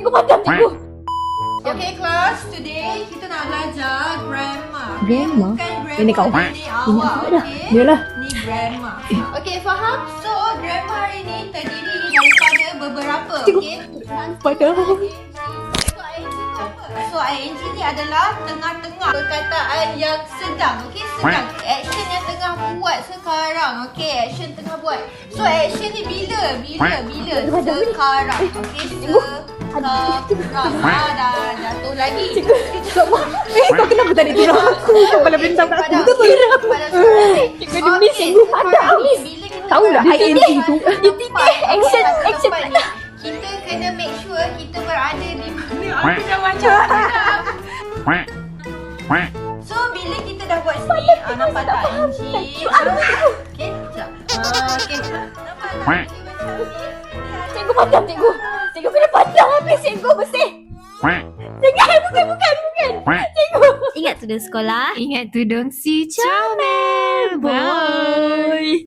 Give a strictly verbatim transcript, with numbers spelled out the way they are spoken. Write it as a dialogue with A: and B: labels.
A: Cikgu padam, cikgu.
B: Okay class, today kita nak belajar grammar.
A: Grammar?
B: Bukan grammar
A: Ini kau.
B: Ini
A: Ini
B: awak,
A: aku dah.
B: okay?
A: Yalah.
B: Ni grammar. Okay, faham? So, grammar ini terdiri daripada beberapa,
A: Cikgu.
B: okay?
A: Padam.
B: So, I N G tu apa? So, I N G ni adalah tengah-tengah perkataan yang sedang, okay? Sedang. Action yang tengah buat sekarang, okay? Action tengah buat. So, action ni bila? Bila? Bila? Sekarang, okay? Sekarang. Ah, dah jatuh lagi.
A: Cikgu, cikgu. Eh, kau kenapa tadi turun aku? Kau malah bentang kat aku. Betul. Cikgu, demi cikgu padam. Tahu tak I N G tu?
B: Dia titik action, action ni. Kita kena make sure kita berada di aku dah macam So bila kita dah buat sini, ah, nampak tak I N G? Okay, sekejap. Ah, okay. Nampak tak?
A: Cikgu padam, cikgu. Cikgu kena padam habis, cikgu bersih. Jangan, bukan, bukan, bukan. Cikgu.
C: Ingat tudung sekolah.
D: Ingat tudung si comel. Bye.